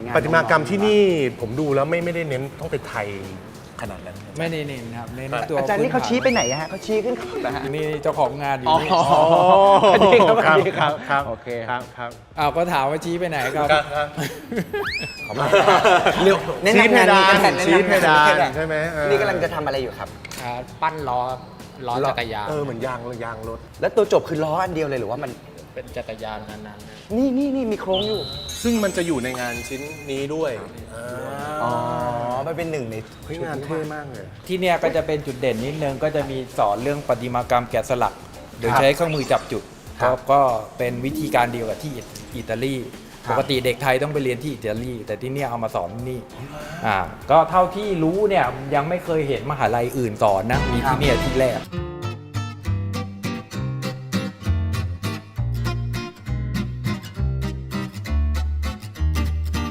ประติมากรรมที่นี่ผมดูแล้วไม่ได้เน้นต้องเป็นไทยขนาดนั้นไม่ได้เน้นครับเน้นตัวอาจารย์นี่เขาชี้ไปไหนฮะเขาชี้ขึ้นเขาเหรอฮะนี่เจ้าของงานอยู่นี่อ๋อ สวัสดีครับสวัสดีครับครับโอเคครับครับอ้าวก็ถามว่าชี้ไปไหนครับขอบคุณเร็วแนะนำงานนี้กันแนะนำงานชี้เพดานใช่ไหมนี่กำลังจะทำอะไรอยู่ครับปั้นล้อจักรยานเหมือนยางรถแล้วตัวจบคือล้ออันเดียวเลยหรือว่ามันเป็นจักรยานนั้นๆนะนี่มีโครงอยู่ซึ่งมันจะอยู่ในงานชิ้นนี้ด้วยามันเป็นหนึ่งในเฮ้ยงานเท่มากเลยที่เนี่ยก็จะเป็นจุดเด่นนิดนึงก็จะมีสอนเรื่องประติมากรรมแกะสลัก โดยใช้เครื่องมือจับจุดครับก็เป็นวิธีการเดียวกับที่อิตาลีปกติเด็กไทยต้องไปเรียนที่อิตาลีแต่ที่เนี่ยเอามาสอนที่นี่ก็เท่าที่รู้เนี่ยยังไม่เคยเห็นมหาลัยอื่นสอนนะมีที่เนี่ยที่แรก